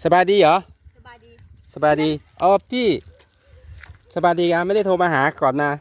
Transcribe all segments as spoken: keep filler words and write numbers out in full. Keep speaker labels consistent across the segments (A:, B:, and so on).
A: สบายดีเหรอ
B: สบายดี
A: สบายดีอ๋อพี่สบายดีอ่ะไม่ได้โทรมาหาก่อนนะ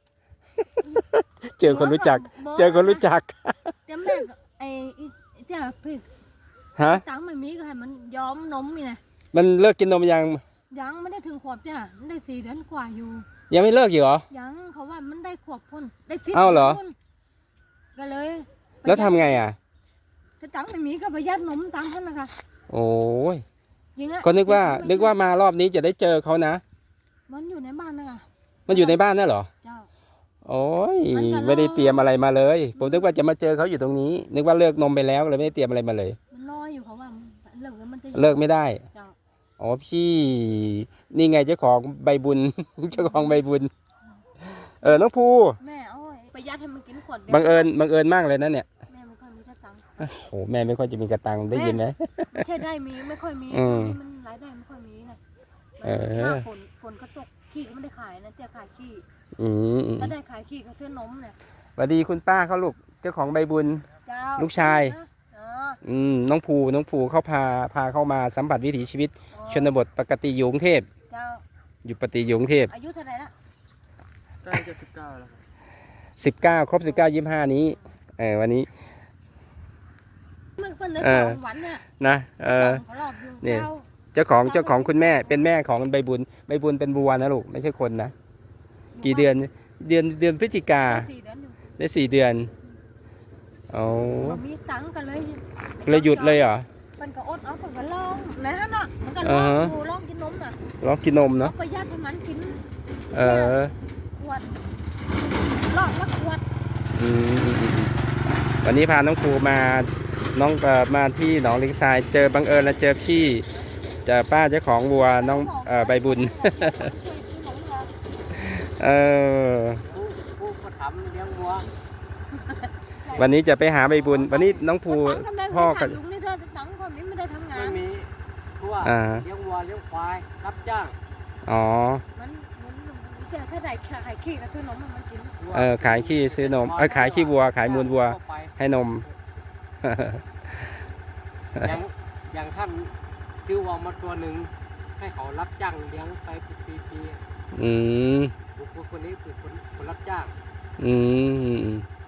A: เจอคนรู้จัก เจอคนรู้จัก
B: เจ้าแม่ไอ้เจ้าพี่
A: ฮะ
B: ตังไม่มีก็ให้มันย้อมนมนี่นะ
A: มันเลิกกินนมยัง
B: ยังไม่ได้ถึงขวบจ้ะมันได้สี่เดือนกว่าอยู่
A: ยังไม่เลิกอยู่เหรอ
B: ยังเขาว่ามันได้ขวบพุ่นได้สิบ
A: เอ้าเหรอ
B: ก็เลย
A: แล้วทำไงอ่ะ
B: ถ้าตังไม่มีก็ประหยัดนมตังเท่านั้นค่ะ
A: โอ้ย
B: ยิงอะ
A: ก็นึกว่านึกว่ามารอบนี้จะได้เจอเขานะ
B: มันอยู่ในบ้านนะคะ
A: มันอยู่ในบ้านน่ะเหรอ
B: เจ้า
A: โอ้ยไม่ได้เตรียมอะไรมาเลยผมนึกว่าจะมาเจอเขาอยู่ตรงนี้ นึกว่าเลิกนมไปแล้วเลยไม่ได้เตรียมอะไรมาเลย
B: มันรออยู่เขาว่าเลิกแล้วมันจะ
A: เลิกไม่ได้อ๋อพี่นี่ไงเจ้าของใบบุญ เจ้าของใบบุญเออน้องภู
B: แม่เอาประหยัดให้มันกินขวดเดียว
A: บังเอิญบังเอิญมากเลยนะเนี่ย
B: แม่ไม่ค่อยมีตังค์
A: โอ้โหแม่ไม่ค่อยจะมีกระตังได้ยินไหม
B: ไม่ใช่ได้มีไม่ค่อยมีมันรายได้ไม่ค่อยมีนะถ้าฝนฝนก็ตกขี้ก็ไม่ได้ขายนะแต่ขายขี้ถ้าได้ขายขี้ก็ซื้อนมเนี่ย
A: สวัสดีคุณป้าเขาลูกเจ้าของใบบุญลูกชายอืมน้องภูน้องภูเขาพาพาเข้ามาสัมผัสวิถีชีวิตชนบทปกติอยู่กรุงเทพอยู่ปกติอยู่กรุงเทพ
B: อายุเท่าไหร่ละ
C: ใกล้จะสิบเก้าแล้วครับ
A: สิบเก้าครบสิบเก้ายี่สิบห้านี้เออวันนี้
B: มันเป็นเรื่องของหวานเนี่ย
A: นะเออเนี่ยเจ้าของเจ้าของคุณแม่เป็นแม่ของใบบุญใบบุญเป็นวัวนะลูกไม่ใช่คนนะกี่เดือนเดือนเดือนพฤศจิกาได้สี่เดือนโอ้
B: มีตังกันเลย
A: เลยหยุดเลยเหรอ
B: มันก็อดเอามันก็ลองนะฮะเนาะมันก็ลองดูลองกินนมน่ะ
A: ลองกินนมเนาะ
B: ประหยัดให้มันกิน
A: เออ
B: ขวดลองละขวด
A: อืมวันนี้พาน้องครูมาน้องมาที่หนองลิงทรายเจอบังเอิญแล้วเจอพี่เจอป้าเจ้าของวัวน้องใบบุญเออวันนี้จะไปหาใบบุญวันนี้น้องภูพ่อกับ
B: ลุงนี่เธอตังค์คนนี้ไม่ได้ทำงาน
C: ไม่มีทั่วเลี้ยงวัวเลี้ยงควายรับจ้าง
A: อ๋อ
B: มันมันจะถ้าได้ขายขี้ก็ซื้อนมมันกิน
A: เออขายขี้ซื้อนมเออขายขี้วัวขายมูลวัวให้นม
C: อย่างอย่างท่านซื้อวัวมาตัวหนึ่งให้เขารับจ้างเลี้ยงไปปีปี
A: อืม
C: บุคคลคนนี้คือคนคนรับจ้าง
A: อืม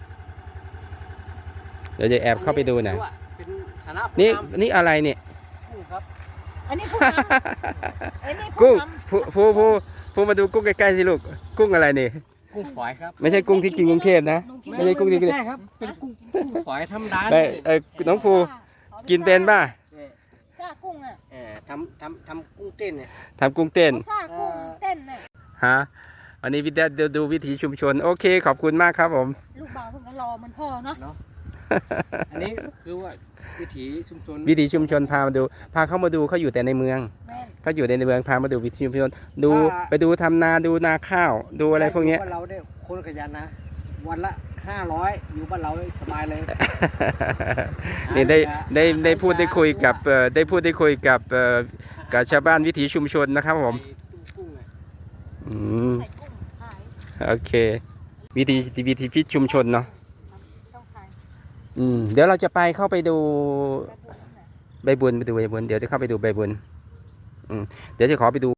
A: เดี๋ยวจะแอบเข้าไปดูหน่อยนี่นี่อะไรเนี่ย
C: กุ้งครับ
B: อันนี้
A: กุ้งผู้ผู้ผู้ผู้มาดูกุ้งใกล้ๆสิลูกกุ้งอะไรนี่
C: กุ้งฝอยครับ
A: ไม่ใช่กุ้งที่กินกรุงเทพนะไม่ใช่กุ้งที่กิน
C: ใช่ครับเป็นกุ้งกุ้งฝอยธรรมดา
A: เออน้องภูกินเป็นป่ะ
B: ก้ากุ้งอ่ะ
C: เออทำทำทำกุ้งเต้นเนี่ย
A: ทำกุ้งเต้น
B: ก้ากุ้งเต้นเนี่ย
A: ฮะวันนี้วิดีโอดูวิถีชุมชนโอเคขอบคุณมากครับผม
B: ลูกบ่าวเพิ่งก็รอมันพ่อเนาะ
C: อันนี้คือว่าวิถีชุมชน
A: วิถีชุมชนพามาดูพาเข้ามาดูเขาอยู่แต่ในเมืองเขาอยู่ในเมืองพามาดูวิถีชุมชนดูไปดูทำนาดูนาข้าวดูอะไรพวกนี้
C: เราได้คนขยันนะวันละห้าร้อยอยู่บ้านเราสบายเลย
A: นี่ได้ได้ได้พูดได้คุยกับได้พูดได้คุยกับกับชาวบ้านวิถีชุมชนนะครับผมอืมโอเควิถีวิถีพิชุมชนเนาะอืมเดี๋ยวเราจะไปเข้าไปดูใบบุญไปดูใบบุญเดี๋ยวจะเข้าไปดูใบบุญอืมเดี๋ยวจะขอไปดู